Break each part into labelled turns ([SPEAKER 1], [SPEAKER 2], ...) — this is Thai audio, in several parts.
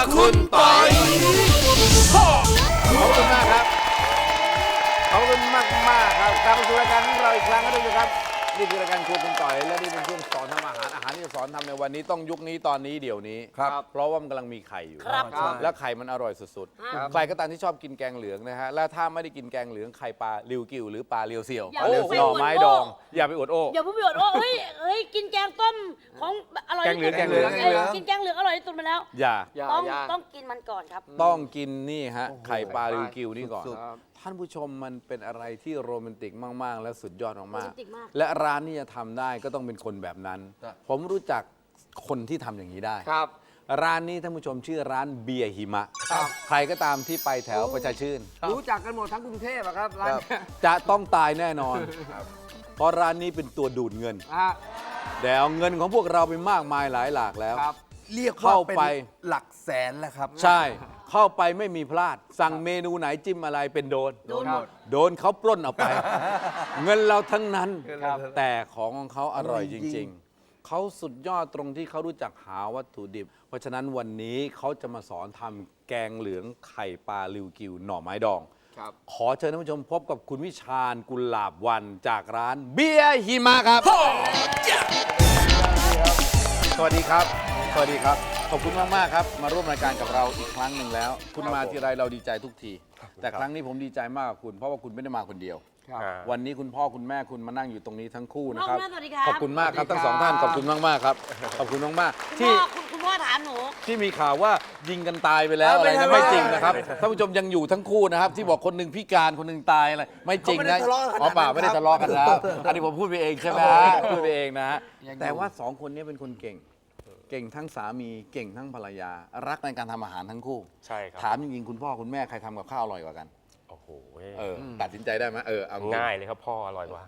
[SPEAKER 1] คุณปอย
[SPEAKER 2] ขอบคุณมากครับขอบคุณมากครับกลับมาสู่รายการของเราอีกครั้งนะทุกท่านครับนี่คือรายการครัวคุณต่อยและนี่เป็นช่วงสอนทำอาหารที่จะสอนทำในวันนี้ต้องยุคนี้ตอนนี้เดี๋ยวนี้เพราะว่ามันกำลังมีไข่อยู่แล้วไข่มันอร่อยสุดๆใครก็ตามที่ชอบกินแกงเหลืองนะฮะและถ้าไม่ได้กินแกงเหลืองไข่ปลาริวกิวหรือปลาเรียวเสี่ยวหน่อไม้ดองอย่าไปอวดโอ้
[SPEAKER 3] อย่าพูดไปอวดโอ้เฮ้ยกินแกงต้มของอร่อย
[SPEAKER 2] แกงเหลือง
[SPEAKER 3] กินแกงเหลืองอร่อยที่สุดมาแล้ว
[SPEAKER 2] อย่า
[SPEAKER 3] ต้องกินมันก่อนครับ
[SPEAKER 2] ต้องกินนี่ฮะไข่ปลาริวกิวนี่ก่อนท่านผู้ชมมันเป็นอะไรที่โรแมนติกมากๆและสุดยอดมากๆและร้านนี้จะทำได้ก็ต้องเป็นคนแบบนั้นผมรู้จักคนที่ทำอย่างนี้ได้ร้านนี้ท่านผู้ชมชื่อร้านเบียร์หิมะใครก็ตามที่ไปแถวประชาชื่น
[SPEAKER 1] รู้จักกันหมดทั้งกรุงเทพครับร้าน
[SPEAKER 2] จะต้องตายแน่นอนเพราะร้านนี้เป็นตัวดูดเงินแต่เอาเงินของพวกเราไปมากมายหลายหลากแล้ว
[SPEAKER 1] เรียกว่าเป็นหลักแสนแล้วครับ
[SPEAKER 2] ใช่เข้าไปไม่มีพลาดสั่งเมนูไหนจิ้มอะไรเป็นโดนเขาปล้นเอาไปเงินเราทั้งนั้นแต่ของเขาอร่อยจริงๆเขาสุดยอดตรงที่เขารู้จักหาวัตถุดิบเพราะฉะนั้นวันนี้เขาจะมาสอนทำแกงเหลืองไข่ปลาริวกิวหน่อไม้ดองขอเชิญท่านผู้ชมพบกับคุณวิชาญกุลาบวันจากร้านเบียร์หิมะครับสวัสดีครับสวัสดีครับขอบคุณมากๆครับมาร่วมรายการกับเราอีกครั้งหนึ่งแล้วคุณมาทีไรเราดีใจทุกทีแต่ครั้งนี้ผมดีใจมากกับคุณเพราะว่าคุณไม่ได้มาคนเดียววันนี้คุณพ่อคุณแม่คุณมานั่งอยู่ตรงนี้ทั้งคู่นะครับขอบคุณมากครับทั้งสองท่านขอบคุณมากๆครับขอบคุณมากๆที่
[SPEAKER 3] คุณพ่อถามหนู
[SPEAKER 2] ที่มีข่าวว่ายิงกันตายไปแล้วอะไรนะไม่จริงนะครับท่านผู้ชมยังอยู่ทั้งคู่นะครับที่บอกคนหนึ่งพิการคนหนึ่งตายอะไรไม่จริงนะอ๋อเปล่าไม่ได้ทะเลาะกันแล้วอันนี้ผมพูดไปเองใช่ไหมพูดไปเองนะแต่ว่าสองคนนี้เป็นคนเก่งทั้งสามีเก่งทั้งภรรยารักในการทำอาหารทั้งคู่
[SPEAKER 4] ใช่ครับ
[SPEAKER 2] ถามจริงๆคุณพ่อคุณแม่ใครทำกับข้าวอร่อยกว่ากัน
[SPEAKER 4] โอ้โห
[SPEAKER 2] ตัดสินใจได้ไหมเอา
[SPEAKER 4] ง่ายเลยครับพ่ออร่อยกว่า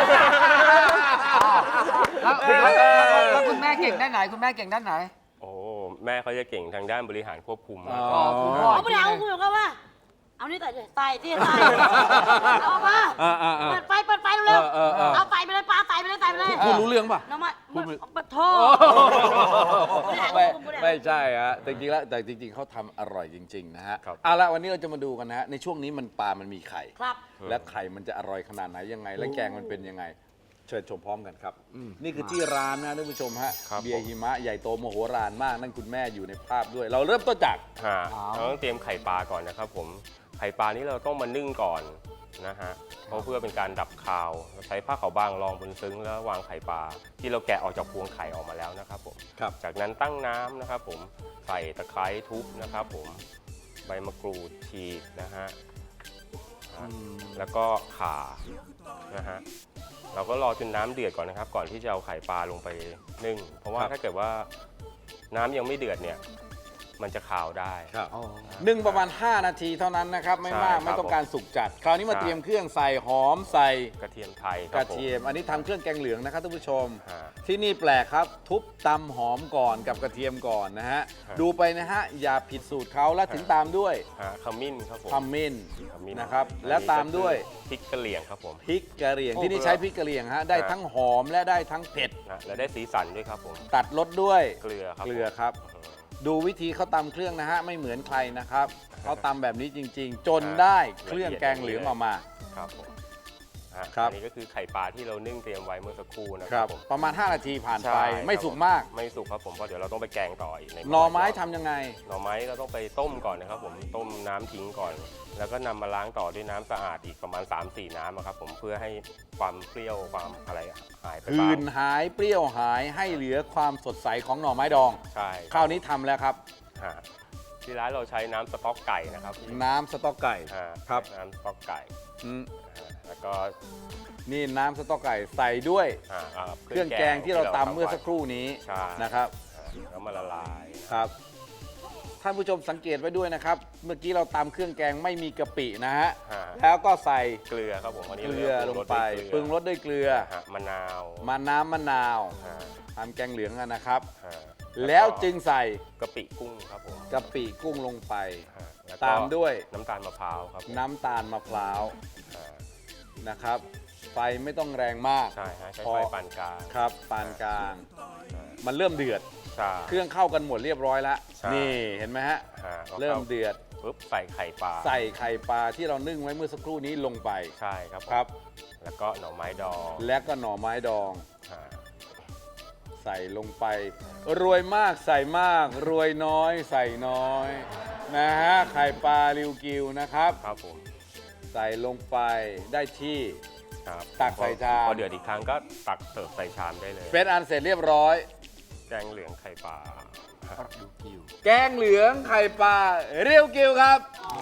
[SPEAKER 1] แล้วคุณแม่เก่งด้านไหนคุณแม่เก่งด้านไหน
[SPEAKER 4] โอ้แม่เขาจะเก่งทางด้านบริหารควบคุม
[SPEAKER 3] เขาไม่เอาคุณบอกว่าเอานี่ใส่ที่ใส่เอามาเปิดไฟเร็วเอาไฟไปเลยปลาใส่ไปเลย
[SPEAKER 2] พูดรู้เรื่องป่ะ
[SPEAKER 3] น้ำมันโทษ
[SPEAKER 2] ไม่ใช่ฮะแต่จริงๆเขาทำอร่อยจริงๆนะฮะเอาละวันนี้เราจะมาดูกันนะฮะในช่วงนี้มันปลามันมีไข่และไข่มันจะอร่อยขนาดไหนยังไงและแกงมันเป็นยังไงเชิญชมพร้อมกันครับนี่คือที่ร้านนะท่านผู้ชมฮะเบียร์หิมะใหญ่โตมโหฬารมากนั่นคุณแม่อยู่ในภาพด้วยเราเริ่มต้นจาก
[SPEAKER 4] เราต้องเตรียมไข่ปลาก่อนนะครับผมไข่ปลานี้เราต้องมานึ่งก่อนนะฮะเพราะเพื่อเป็นการดับคาวเราใช้ผ้าขาวบางรองบนซึ้งแล้ววางไข่ปลาที่เราแกะออกจากพวงไข่ออกมาแล้วนะครับผมจากนั้นตั้งน้ำนะครับผมใส่ตะไคร้ทุบนะครับผมใบมะกรูดฉีกนะฮะแล้วก็ข่านะฮะเราก็รอจนน้ำเดือดก่อนนะครับก่อนที่จะเอาไข่ปลาลงไปนึ่งเพราะว่าถ้าเกิดว่าน้ำยังไม่เดือดเนี่ยมันจะขาวได้
[SPEAKER 2] นึ่งประมาณ5 นาทีเท่านั้นนะครับไม่มากไม่ต้องการสุกจัดคราวนี้มาเตรียมเครื่องใส่หอมใส่
[SPEAKER 4] กระเทียมไทย
[SPEAKER 2] กระเทียมอันนี้ทำเครื่องแกงเหลืองนะครับท่านผู้ชมที่นี่แปลกครับทุบตำหอมก่อนกับกระเทียมก่อนนะฮะดูไปนะฮะอย่าผิดสูตรเขาแล้วถึงตามด้วย
[SPEAKER 4] ขมิ้นครับผม
[SPEAKER 2] ขมิ้นนะครับแล้วตามด้วย
[SPEAKER 4] พริกกะเหรี่ยงครับผม
[SPEAKER 2] พริกกะเหรี่ยงที่นี่ใช้พริกกะเหรี่ยงฮะได้ทั้งหอมและได้ทั้งเผ็ด
[SPEAKER 4] และได้สีสันด้วยครับผม
[SPEAKER 2] ตัดรสด้วย
[SPEAKER 4] เกลือ
[SPEAKER 2] ครับดูวิธีเขาตำเครื่องนะฮะไม่เหมือนใครนะครับเขาตำแบบนี้จริงๆจนได้เครื่องแกงเหลืองออกมา
[SPEAKER 4] ครับผมอันนี้ก็คือไข่ปลาที่เรานึ่งเตรียมไว้เมื่อสักครู่นะครับ
[SPEAKER 2] ประมาณ5 นาทีผ่านไปไม่สุกมาก
[SPEAKER 4] ไม่สุกครับผมเพราะเดี๋ยวเราต้องไปแกงต่ออีก
[SPEAKER 2] หน่อไม้ทำยังไง
[SPEAKER 4] หน่อไม้เราต้องไปต้มก่อนนะครับผมต้มน้ำทิ้งก่อนแล้วก็นำมาล้างต่อด้วยน้ำสะอาดอีกประมาณ 3-4 น้ำครับผมเพื่อให้ความเปรี้ยวความอะไรหายไปบ้าง
[SPEAKER 2] คืนหายเปรี้ยวหายให้เหลือความสดใสของหน่อไม้ดอง
[SPEAKER 4] ใช่
[SPEAKER 2] คราวนี้ทำแล้วครับ
[SPEAKER 4] ที่ร้านเราใช้น้ำสต๊อกไก่นะครับ
[SPEAKER 2] น้ำสต๊อกไก่
[SPEAKER 4] ครับน้ำสต๊อกไก่แล้วก็
[SPEAKER 2] นี่น้ำสต๊อกไก่ใส่ด้วยเครื่องแกงที่เราตำเมื่อสักครู่นี้นะครับ
[SPEAKER 4] แล้วมาละลาย
[SPEAKER 2] ครับท่านผู้ชมสังเกตไว้ด้วยนะครับเมื่อกี้เราตำเครื่องแกงไม่มีกะปินะฮะแล้วก็ใส่
[SPEAKER 4] เกลือครับผม
[SPEAKER 2] เกลือลงไปปรุงรสด้วยเกลือ
[SPEAKER 4] มะนาว
[SPEAKER 2] มะนาวทำแกงเหลืองนะครับแล้วจึงใส่
[SPEAKER 4] กะปิกุ้งครับผม
[SPEAKER 2] กะปิกุ้งลงไปตามด้วย
[SPEAKER 4] น้ำตาลมะพร้าวครับ
[SPEAKER 2] น้ำตาลมะพร้าวนะครับไฟไม่ต้องแรงมาก
[SPEAKER 4] ใช่ใช้ไฟปานกลาง
[SPEAKER 2] ครับปานกลางมันเริ่มเดือด
[SPEAKER 4] ใช่
[SPEAKER 2] เครื่องเข้ากันหมดเรียบร้อยแล้ว
[SPEAKER 4] ใช่
[SPEAKER 2] นี่เห็นไหมฮะ
[SPEAKER 4] ก็
[SPEAKER 2] เริ่มเดือด
[SPEAKER 4] ปุ๊บใส่ไข่ปลา
[SPEAKER 2] ใส่ไข่ปลาที่เรานึ่งไว้เมื่อสักครู่นี้ลงไป
[SPEAKER 4] ใช่ครับผม
[SPEAKER 2] ครับ
[SPEAKER 4] แล้วก็หน่อไม้ดอง
[SPEAKER 2] และก็หน่อไม้ดอง
[SPEAKER 4] อ่า
[SPEAKER 2] ใส่ลงไป รวยมากใส่มาก รวยน้อยใส่น้อยนะฮะไข่ปลาริวกิวนะครับ
[SPEAKER 4] ครับผม
[SPEAKER 2] ใส่ลงไปได้ที่
[SPEAKER 4] ครับ
[SPEAKER 2] ตักใส่ชาม
[SPEAKER 4] พอเดือดอีกครั้งก็ตักเสิร์ฟใส่ชามได้เลย
[SPEAKER 2] เป็นอันเสร็จเรียบร้อย
[SPEAKER 4] แกงเหลืองไข่ปลา
[SPEAKER 2] แกงเหลืองไข่ปลาเรียวกิวครับ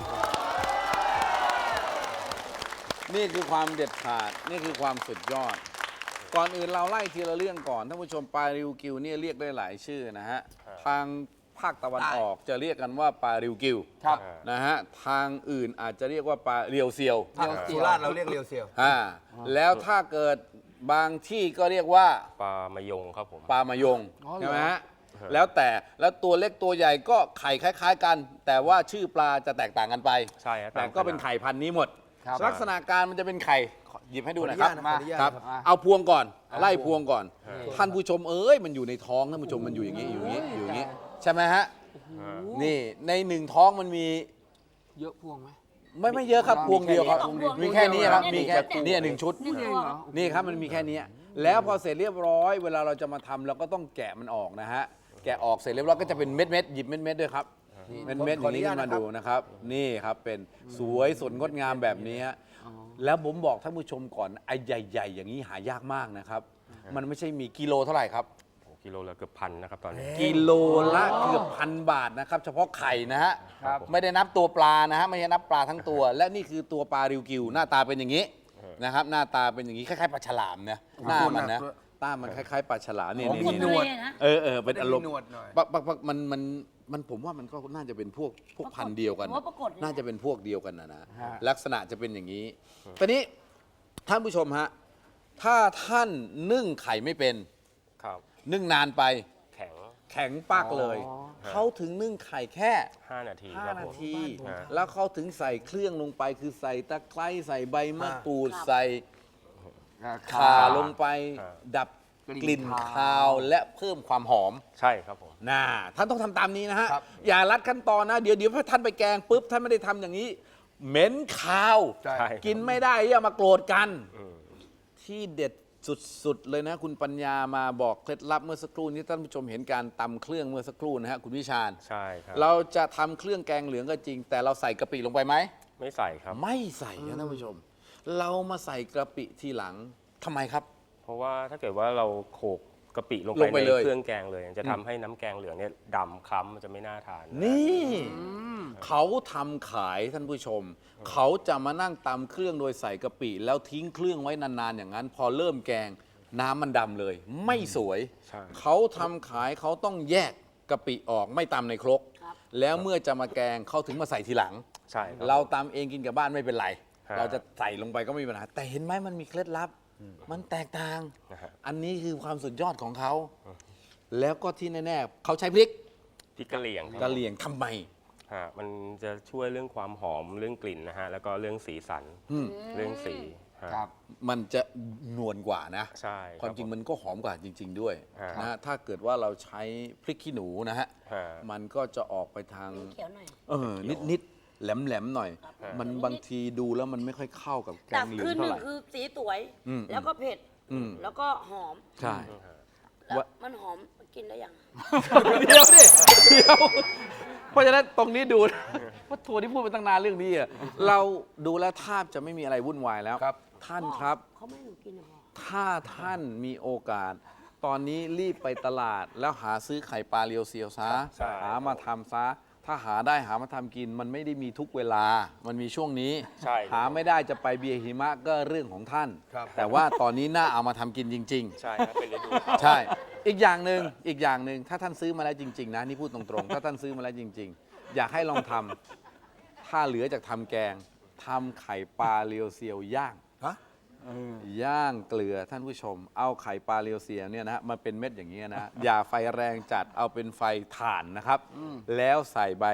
[SPEAKER 2] นี่คือความเด็ดขาดนี่คือความสุดยอด ก่อนอื่นเราไล่ทีละเรื่องก่อนท่านผู้ชมปลาริวกิวเนี่ยเรียกได้หลายชื่อนะฮะทางภาคตะวันออกจะเรียกกันว่าปลาริวกิว
[SPEAKER 1] ครับ
[SPEAKER 2] นะฮะทางอื่นอาจจะเรียกว่าปลาเรียวเซียว
[SPEAKER 5] สุราษฎร์เราเรียกเรียวเซียว
[SPEAKER 2] แล้วถ้าเกิดบางที่ก็เรียกว่า
[SPEAKER 4] ปลามะยงครับผม
[SPEAKER 2] ปลามายง
[SPEAKER 1] อ๋อเหรอ
[SPEAKER 2] ใช่ไหมฮะแล้วตัวเล็กตัวใหญ่ก็ไข่คล้าย ๆ กัน แต่ว่าชื่อปลาจะแตกต่างกันไป
[SPEAKER 4] ใช่ฮะ
[SPEAKER 2] แต่ก็เป็นไข่พันธุ์นี้หมด
[SPEAKER 1] ครับ
[SPEAKER 2] ลักษณะการมันจะเป็นไข่ขอหยิบให้ดูหน่อยครับ
[SPEAKER 5] ขออนุญาตนะขออนุญาต
[SPEAKER 2] ครับ
[SPEAKER 1] มา
[SPEAKER 2] เอาพวงก่อน ไล่พวงก่อน
[SPEAKER 1] นี่
[SPEAKER 2] ท่านผู้ชมเอ้ยมันอยู่ในท้องท่านผู้ชมมันอยู่อย่างนี้อยู่อย่างนี้อยู่อย่างนี้ใช่ไหมฮะนี่ในหนึ่งท้องมันมี
[SPEAKER 1] เยอะพวงไหม
[SPEAKER 2] ไม่เยอะครับพวงเดียวครับ
[SPEAKER 3] สองพวง
[SPEAKER 2] มีแค่นี้ครับ
[SPEAKER 3] นี่
[SPEAKER 2] มีแค่เนี่ยหนึ่งชุด
[SPEAKER 3] หนึ่ง
[SPEAKER 1] เอ
[SPEAKER 3] พ
[SPEAKER 1] ง
[SPEAKER 3] วง
[SPEAKER 1] เหรอ
[SPEAKER 2] นี่ครับมันมีแค่นี้แล้วพอเสร็จเรียบร้อยเวลาเราจะมาทำเราก็ต้องแกะมันออกนะฮะแกะออกเสร็จเรียบร้อยก็จะเป็นเม็ดๆหยิบเม็ดๆด้วยครับเม็ดๆอย่างนี้ขึ้นมาดูนะครับนี่ครับเป็นสวยสดงดงามแบบนี้ฮะแล้วผมบอกท่านผู้ชมก่อนไอ้ใหญ่ๆอย่างนี้หายากมากนะครับมันไม่ใช่มีกิโลเท่าไหร่ครับ
[SPEAKER 4] กิโลละเกือบพันนะครับตอนนี้
[SPEAKER 2] กิโลละเกือบ1,000 บาทนะครับเฉพาะไข่นะฮะ
[SPEAKER 1] ครับ
[SPEAKER 2] ไม่ได้นับตัวปลานะฮะไม่ได้นับปลาทั้งตัว และนี่คือตัวปลาริวกิวหน้าตาเป็นอย่างนี้นะครับหน้าตาเป็นอย่างนี้คล้ายๆปลาฉลามนะหน้ามันนะหน้ามันคล้ายๆปลาฉลามนี่
[SPEAKER 5] อ๋อ
[SPEAKER 2] นี่
[SPEAKER 5] มีหนวด
[SPEAKER 3] นะ
[SPEAKER 2] เป็นอารมณ์
[SPEAKER 5] มีหนวดหน่อย
[SPEAKER 2] ปักมันผมว่ามันก็น่าจะเป็นพวกพันธุ์เดียวกัน
[SPEAKER 3] ผมว่าปรากฏเลย
[SPEAKER 2] น่าจะเป็นพวกเดียวกันนะ
[SPEAKER 1] ฮะ
[SPEAKER 2] ลักษณะจะเป็นอย่างนี้ตอนนี้ท่านผู้ชมฮะถ้าท่านนึ่งไข่ไม่เป็น
[SPEAKER 4] ครับ
[SPEAKER 2] นึ่งนานไป
[SPEAKER 4] แข็ง
[SPEAKER 2] แข็งปักเลย
[SPEAKER 1] อ๋อ
[SPEAKER 2] เขาถึงนึ่งไข่แค่
[SPEAKER 4] 5 นาทีครับ
[SPEAKER 2] 5 นา
[SPEAKER 4] ผม
[SPEAKER 2] ที
[SPEAKER 4] ฮะ
[SPEAKER 2] แล้วเขาถึงใส่เครื่องลงไปคือใส่ตะไคร้ใส่ใบมะกรูด
[SPEAKER 3] ครับ
[SPEAKER 2] ใส่ข่าลงไป ดับกลิ่นคาวและเพิ่มความหอม
[SPEAKER 4] ใช่ครับผม
[SPEAKER 2] น่าท่านต้องทำตามนี้นะฮะ
[SPEAKER 5] ครับ
[SPEAKER 2] อย่าลัดขั้นตอนนะ เดี๋ยวพอท่านไปแกงปุ๊บท่านไม่ได้ทำอย่างนี้ เหม็นคาว
[SPEAKER 5] ใช่
[SPEAKER 4] ใช่
[SPEAKER 2] กินไม่ได้อย่ามาโกรธกัน
[SPEAKER 4] อืม
[SPEAKER 2] ที่เด็ดสุดๆเลยนะ คุณปัญญามาบอกเคล็ดลับเมื่อสักครู่นี้ท่านผู้ชมเห็นการตำเครื่องเมื่อสักครู่นะฮะคุณวิชาญ
[SPEAKER 4] ใช่ครับ
[SPEAKER 2] เราจะทำเครื่องแกงเหลืองก็จริง แต่เราใส่กะปิลงไปไหม
[SPEAKER 4] ไม่ใส่ครับ
[SPEAKER 2] ไม่ใส่นะท่านผู้ชม เรามาใส่กะปิทีหลังทำไมครับ
[SPEAKER 4] เพราะว่าถ้าเกิดว่าเราโขลกกะปิลง
[SPEAKER 2] ล
[SPEAKER 4] ไป
[SPEAKER 2] งไป
[SPEAKER 4] ใน
[SPEAKER 2] เลย
[SPEAKER 4] เครื่องแกงเลยจะทำให้น้ำแกงเหลืองเนี่ยดำคล้ำมันจะไม่น่าทาน
[SPEAKER 2] นี่เขาทำขายท่านผู้ชม เขาจะมานั่งตำเครื่องโดยใส่กะปิ แล้วทิ้งเครื่องไว้นานๆอย่างนั้น พอเริ่มแกงน้ำมันดำเลย ไม่สวย
[SPEAKER 4] ใช่
[SPEAKER 2] เขาทำขายเขาต้องแยกกะปิออกไม่ตำในครก
[SPEAKER 3] ครับ
[SPEAKER 2] แล้วเมื่อจะมาแกงเขาถึงมาใส่ทีหลัง
[SPEAKER 4] ใช่คบ
[SPEAKER 2] เราตำเองกินกับบ้านไม่เป็นไร
[SPEAKER 4] ฮะ
[SPEAKER 2] เราจะใส่ลงไปก็ไม่มีปัญหาแต่เห็นไหมมันมีเคล็ดลับ มันแตกต่าง
[SPEAKER 4] นะฮะ
[SPEAKER 2] อันนี้คือความสุดยอดของเขา แล้วก็ที่แน่ๆเขาใช้พริก
[SPEAKER 4] พริกกะเหรี่ยงครับ
[SPEAKER 2] กะเหรี่ยงทำไม
[SPEAKER 4] ฮะมันจะช่วยเรื่องความหอมเรื่องกลิ่นนะฮะแล้วก็เรื่องสีสัน
[SPEAKER 2] อืม
[SPEAKER 4] เรื่องสีฮะ
[SPEAKER 1] ครับ
[SPEAKER 2] มันจะนวลกว่านะ
[SPEAKER 4] ใช่
[SPEAKER 2] ความจริง
[SPEAKER 4] บ
[SPEAKER 2] มันก็หอมกว่าจริง ๆ ด้วย
[SPEAKER 4] ฮะ
[SPEAKER 2] นะถ้าเกิดว่าเราใช้พริกขี้หนูนะฮะ
[SPEAKER 4] ฮะ
[SPEAKER 2] มันก็จะออกไปทาง
[SPEAKER 3] เขียวหน่อย
[SPEAKER 2] นิดๆแหลมๆหน่อย
[SPEAKER 3] ครับ
[SPEAKER 2] มันบางทีดูแล้วมันไม่ค่อยเข้ากับแก
[SPEAKER 3] แต่
[SPEAKER 2] งเหลือง
[SPEAKER 3] คือห
[SPEAKER 2] เท่า
[SPEAKER 3] นึ่
[SPEAKER 2] ไห
[SPEAKER 3] ง
[SPEAKER 2] ร่
[SPEAKER 3] คือสีสวย
[SPEAKER 2] อืม
[SPEAKER 3] แล้วก็เผ็ด
[SPEAKER 2] อืม
[SPEAKER 3] แล้วก็หอม
[SPEAKER 2] ใช่
[SPEAKER 3] แล้ว
[SPEAKER 2] ว่า
[SPEAKER 3] มันหอมกินได้ยัง
[SPEAKER 2] เดี๋ยวดิเดี๋ยวเพราะฉะนั้นตรงนี้ดูนะว่าทัวร์ที่พูดไปตั้งนานเรื่องนี้อะเราดูแล้วแทบจะไม่มีอะไรวุ่นวายแล้ว
[SPEAKER 5] ครับ
[SPEAKER 2] ท่านครับ
[SPEAKER 3] เขาไม่ให้หนูกินเหรอ
[SPEAKER 2] ถ้าท่านมีโอกาส ตอนนี้รีบไปตลาดแล้วหาซื้อไข่ปลาเรียวเซียวซะ
[SPEAKER 4] ใช่
[SPEAKER 2] หามาทำซะ ถ้าหาได้หามาทำกิน มันไม่ได้มีทุกเวลา มันมีช่วงนี้
[SPEAKER 4] ใช่
[SPEAKER 2] หาไม่ได้จะไปเบียร์หิมะก็เรื่องของท่าน
[SPEAKER 5] ครับ
[SPEAKER 2] แต่ว่าตอนนี้น่าเอามาทำกินจริง ๆ
[SPEAKER 4] ใช่ครับเป็นฤดู
[SPEAKER 2] ใช่ อีกอย่างหนึ่งถ้าท่านซื้อมาแล้วจริง ๆ นะนี่พูดตรงๆ ถ้าท่านซื้อมาแล้วจริง ๆ อยากให้ลองทำถ้าเหลือจากทำแกงทำไข่ปลาเรียวเซียวย่าง
[SPEAKER 5] ฮะ
[SPEAKER 2] ย่างเกลือท่านผู้ชม เอาไข่ปลาเรียวเซียวเนี่ยนะมันเป็นเม็ดอย่างนี้ยนะ อย่าไฟแรงจัดเอาเป็นไฟถ่านนะครับ แล้วใส่ใบ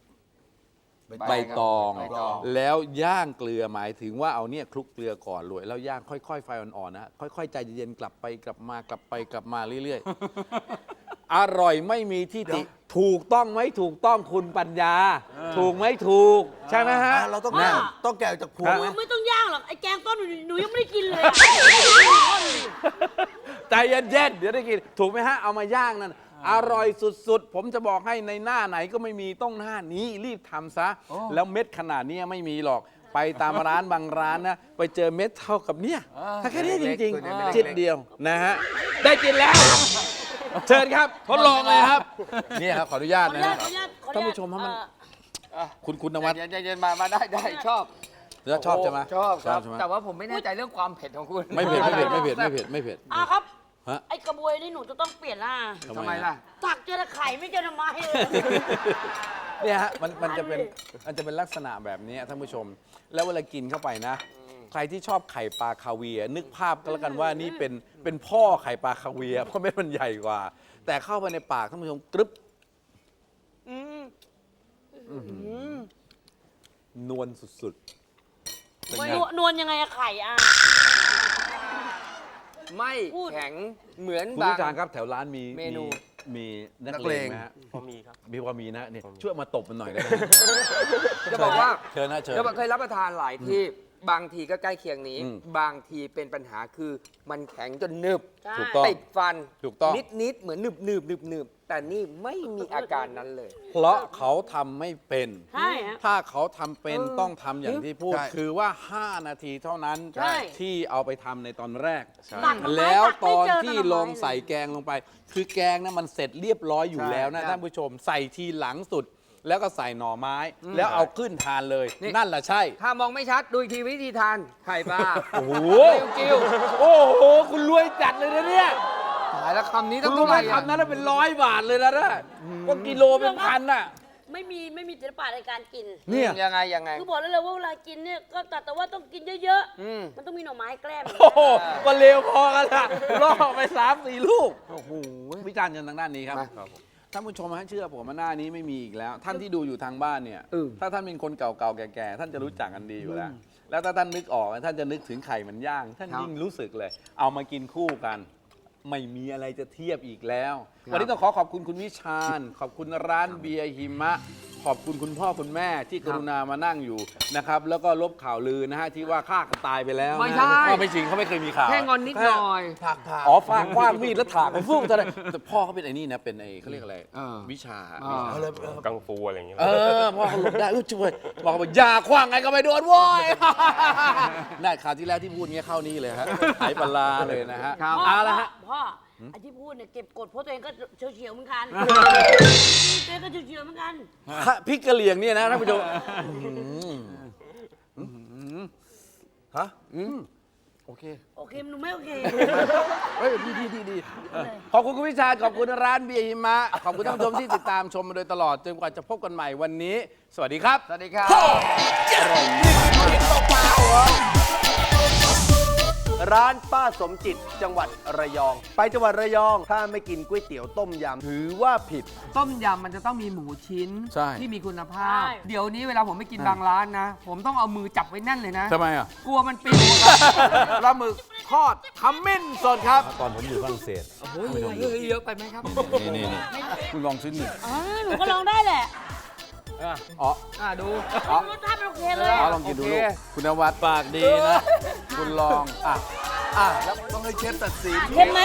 [SPEAKER 2] ตอง
[SPEAKER 1] ใบตอง
[SPEAKER 2] แล้วย่างเกลือหมายถึงว่าเอาเนี่ยคลุกเกลือก่อนรวยแล้วย่างค่อยๆไฟอ่อนๆนะค่อยๆใจเย็นๆกลับไปกลับมากลับไปกลับมาเรื่อยๆอร่อยไม่มีที่ติ ถูกต้องไหมถูกต้องคุณปัญญา ถูกไหมถูก ใช่ไหมฮะ
[SPEAKER 5] เราต้อง
[SPEAKER 3] ว่า
[SPEAKER 5] ต้องแกะจากพวงไหม
[SPEAKER 3] ไม่ต้องย่างหรอกไอ้แกงต้นหนูยังไม่ได้กินเลย
[SPEAKER 2] ใจเย็นๆเดี๋ยวได้กิน ถูกไหมฮะ เอามาย่างนั่น อร่อยสุดๆ ผมจะบอกให้ในหน้าไหนก็ไม่มีต้องหน้านี้รีบทำซะ แล้วเม็ดขนาดนี้ไม่มีหรอก ไปตามร้านบางร้านนะ ไปเจอเม็ดเท่ากับเนี่ยถ้าแค่นี้จริงๆจิตเดียวนะฮะ ได้กินแล้ว เชิญครับทดลองเลยครับนี่ครับขออนุญาตนะฮะท่านผู้ชมครับมันคุณนวัด
[SPEAKER 1] เย็นๆมาได้ชอบ
[SPEAKER 2] ชอบใช่ไหม
[SPEAKER 1] ชอบครับ
[SPEAKER 2] ใช่ไหม
[SPEAKER 1] แต่ว่าผมไม่แน่ใจเรื่องความเผ็ดของคุณ
[SPEAKER 2] ไม่เผ็ดไม่เผ็ดไม่เผ็ดไม่เผ็ดไม่เผ็ด
[SPEAKER 3] ครับ
[SPEAKER 2] ฮะ
[SPEAKER 3] ไอ้กระบวยนี่หนูจะต้องเปลี่ยนหน้า
[SPEAKER 1] ทำไมล่ะ
[SPEAKER 3] ตักเจอไข่ไม่เจอทำไมเลย
[SPEAKER 2] เนี่ยฮะมันจะเป็นลักษณะแบบนี้ท่านผู้ชม แล้วเวลากินเข้าไปนะ ใครที่ชอบไข่ปลาคาเวียร์นึกภาพก็แล้วกันว่านี่เป็นพ่อไข่ปลาคาเวียร์เพราะเม็ดมันใหญ่กว่า แต่เข้าไปในปากท่านผู้ชมกรึบนวลสุดๆเป็นไง
[SPEAKER 3] นวลยังไงอะไข่อะ
[SPEAKER 1] ไม่
[SPEAKER 3] พูด
[SPEAKER 1] แข็งเหมือน
[SPEAKER 2] คุณ
[SPEAKER 1] บาง
[SPEAKER 2] ผู้การครับแถวร้านมี
[SPEAKER 1] เมนู
[SPEAKER 2] มีนักเลงไหมฮะ
[SPEAKER 4] พอมีครับ
[SPEAKER 2] มีพอมีนะเนี่ยช่วยมาตบมันหน่อยได้ไหม
[SPEAKER 1] จะบอกว่า
[SPEAKER 2] เชิญนะเชิญ
[SPEAKER 1] จะบอกเคยรับประทานหลายที่บางทีก็ใกล้เคียงนี้
[SPEAKER 2] อืม
[SPEAKER 1] บางทีเป็นปัญหาคือมันแข็งจนหนึบ
[SPEAKER 3] ใช่
[SPEAKER 2] ถูกต้อง
[SPEAKER 1] ติดฟัน
[SPEAKER 2] ถูกต้อง
[SPEAKER 1] นิดๆเหมือนหนึบแต่นี่ไม่มีอาการนั้นเลย
[SPEAKER 2] เพราะเขาทำไม่เป็น
[SPEAKER 3] ใช่ฮะ
[SPEAKER 2] ถ้าเขาทำเป็นต้องทำอย่างที่พูด
[SPEAKER 5] ใช่
[SPEAKER 2] คือว่า 5 นาทีเท่านั้น
[SPEAKER 3] ใช่
[SPEAKER 2] ที่เอาไปทำในตอนแรก
[SPEAKER 3] ตักหน่อไม้
[SPEAKER 2] แล้วตอน
[SPEAKER 3] ตักไม่เจอ
[SPEAKER 2] ที่
[SPEAKER 3] หน่อไม้
[SPEAKER 2] ลงใส่แกงลงไป คือแกงนะมันเสร็จเรียบร้อยอยู่แล้วนะท่านผู้ชม ใส่ทีหลังสุด แล้วก็ใส่หน่อไม้ แล้วเอาขึ้นทานเลย
[SPEAKER 1] นี่
[SPEAKER 2] นั่นแหละใช่
[SPEAKER 1] ถ้ามองไม่ชัดดูอีกทีวิธีทานไข่ปลา
[SPEAKER 2] โอ้โห
[SPEAKER 1] กิ้ว
[SPEAKER 2] โอ้โห คุณรวยจัดเลยนะเนี่ย
[SPEAKER 1] ๆตายแล้วคำนี้
[SPEAKER 2] คุ
[SPEAKER 1] ต้อ
[SPEAKER 2] ณ
[SPEAKER 1] ง
[SPEAKER 2] รู้
[SPEAKER 1] เท่า
[SPEAKER 2] ไห
[SPEAKER 1] ไห
[SPEAKER 2] ม
[SPEAKER 1] ร่อะ
[SPEAKER 2] คำนั้นเป็น100 บาทเลยนะก็กิโลเป็นพันน่ะ
[SPEAKER 3] ไม่มีศิลปะในการกิน
[SPEAKER 2] เนี่ย
[SPEAKER 1] ยังไง
[SPEAKER 3] คือบอกได้เลยว่าเวลากินเนี่ยก็แต่ว่าต้องกินเยอะ
[SPEAKER 1] อืม
[SPEAKER 3] ๆ มันต้องมีหน่อไม้แกล้ม
[SPEAKER 2] โอ้โหก็เร็วพอกันละล่อไป3-4 ลูก โอ้โห วิจารณ์กันทางด้านนี้ครับ
[SPEAKER 1] มา
[SPEAKER 2] ท่านผู้ชมฮะเชื่อผมว่าหน้านี้ไม่มีอีกแล้ว ท่านที่ดูอยู่ทางบ้านเนี่ย ถ้าท่านเป็นคนเก่าๆแก่ๆ ท่านจะรู้จักกันดีอยู่แล้ว แล้วถ้าท่านนึกออกท่านจะนึกถึงไข่มันย่าง ท่านยิ่งรู้สึกเลย เอามากินคู่กัน ไม่มีอะไรจะเทียบอีกแล้ว วันนี้ต้องขอบคุณคุณวิชาญ ขอบคุณร้านเบียร์หิมะ ขอบคุณคุณพ่อคุณแม่ที่กรุณามานั่งอยู่นะครับ แล้วก็ลบข่าวลือนะฮะที่ว่าฆ่ากันตายไปแล้วนะ
[SPEAKER 1] ไม่ใช่
[SPEAKER 2] ว่าไม่จริงเขาไม่เคยมีข่าว
[SPEAKER 1] แค่งอนนิดหน่อย
[SPEAKER 5] ผัก
[SPEAKER 2] อ๋อฟางคว้างมีดแล้วถากไปฟุ้งเท่านั้นแต่พ่อเขาเป็นไอ้นี่นะ เป็นไอ้เขาเรียกอะไร วิชา
[SPEAKER 5] เอาเลย
[SPEAKER 4] กังฟูอะไรอย่างเงี้ย
[SPEAKER 2] พ่อเขาหลบได้ช่วยบอกว่าอย่าคว้างไงก็ไม่โดนโว้ย น่าข่าวที่แล้วที่พูดเงี้ยเข้านี่เลยฮะหายปลาร้าเลยนะฮะ
[SPEAKER 1] ครับ
[SPEAKER 2] เอาละฮะ
[SPEAKER 3] พ่อไอ้ที่พูดเนี่ยเก็บกดเพราะตัวเองก็เฉียวๆเหมือนกันตัวเองก็เฉียวๆเหมือนกัน
[SPEAKER 2] พริกกะเหรี่ยงเนี่ยนะท่านผู้ชม
[SPEAKER 5] ฮะ
[SPEAKER 2] โอเค
[SPEAKER 3] โอเคหนูไม่โอเค
[SPEAKER 2] เฮ้ยดีขอบคุณคุณวิชาญขอบคุณร้านเบียร์หิมะ ขอบคุณท่านผู้ชมที่ติดตามชมมาโดยตลอดจนกว่าจะพบกันใหม่วันนี้ สวัสดีครับ
[SPEAKER 1] สวัสดีครับ
[SPEAKER 5] ร้านป้าสมจิตจังหวัดระยอง ไปจังหวัดระยองถ้าไม่กินก๋วยเตี๋ยวต้มยำถือว่าผิด
[SPEAKER 1] ต้มยำมันจะต้องมีหมูชิ้น
[SPEAKER 2] ใช่
[SPEAKER 1] ที่มีคุณภาพ
[SPEAKER 3] ใช่
[SPEAKER 1] เดี๋ยวนี้เวลาผมไปกินบางร้านนะ ผมต้องเอามือจับไว้แน่นเลยนะ
[SPEAKER 2] ทำไมอ่ะ
[SPEAKER 1] กลัวมันปิวครับ
[SPEAKER 2] ปลาหมึกทอดขมิ้นสดครับ ตอนผมอยู่ฝรั่งเศส
[SPEAKER 1] โอ้ยเยอะไปไหมครับ
[SPEAKER 2] นี่คุณลองชิ้นหนึ่ง
[SPEAKER 3] หนูก็ลองได้แหละ
[SPEAKER 2] อ๋อ
[SPEAKER 1] ดู
[SPEAKER 3] รสชาติมันโอเคเลย
[SPEAKER 2] เอา
[SPEAKER 3] อะ
[SPEAKER 2] ลองกินดู
[SPEAKER 1] โอเค
[SPEAKER 2] ลูกคุณนวัดปากดีนะ คุณลอง
[SPEAKER 5] แล้วต้องให้เชฟตัดสิน
[SPEAKER 3] เค็มไหม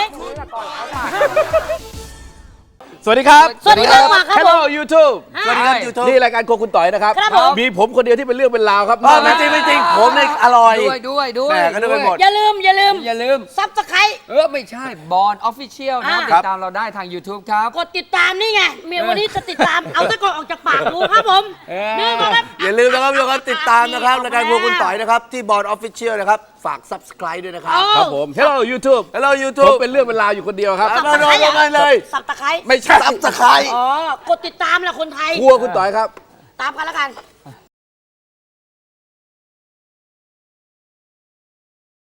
[SPEAKER 2] สวัสดีครับ
[SPEAKER 3] สวัสดีครับครับ
[SPEAKER 2] Hello YouTube
[SPEAKER 3] สวัสดีครับ
[SPEAKER 5] YouTube
[SPEAKER 2] นี่รายการโครัวคุณต่อยนะครับ
[SPEAKER 3] ครับผม
[SPEAKER 2] มีผมคนเดียวที่เป็นเรื่องเป็นราวครับ
[SPEAKER 5] ไม่จริงไม่จริงผมเนี่ยอร่อย
[SPEAKER 1] ด้วย
[SPEAKER 5] แหม่ก็นึกไปหมด
[SPEAKER 3] อย่าลืม ซับสไครต์
[SPEAKER 1] ไม่ใช่บอลออฟฟิเชียลนะ
[SPEAKER 3] อ่า
[SPEAKER 1] ติดตามเราได้ทาง YouTube ครับ
[SPEAKER 3] กดติดตามนี่ไงเมียวันนี้จะติดตาม เอาตะกอนออกจากปากดูครับผมนี่มาครับ
[SPEAKER 5] อย่าลืมนะครับทุกคนติดตามนะครับรายการพวกคุณต่อยนะครับ ที่บอร์ดออฟฟิเชียลนะครับ ฝาก subscribe ด้วยนะครับ
[SPEAKER 2] ครับผม Hello YouTube
[SPEAKER 5] Hello
[SPEAKER 2] ผม
[SPEAKER 5] YouTube
[SPEAKER 2] เป็นเรื่องเป็นราวอยู่คนเดียวครับ
[SPEAKER 5] เอามาลงกันเลย
[SPEAKER 3] สับตะไคร้
[SPEAKER 2] ไม่ใช่
[SPEAKER 5] subscribe
[SPEAKER 3] อ๋อ กดติดตามแหละคนไทย
[SPEAKER 2] ครัวคุณต่อยครับ
[SPEAKER 3] ตามกันแล้วกัน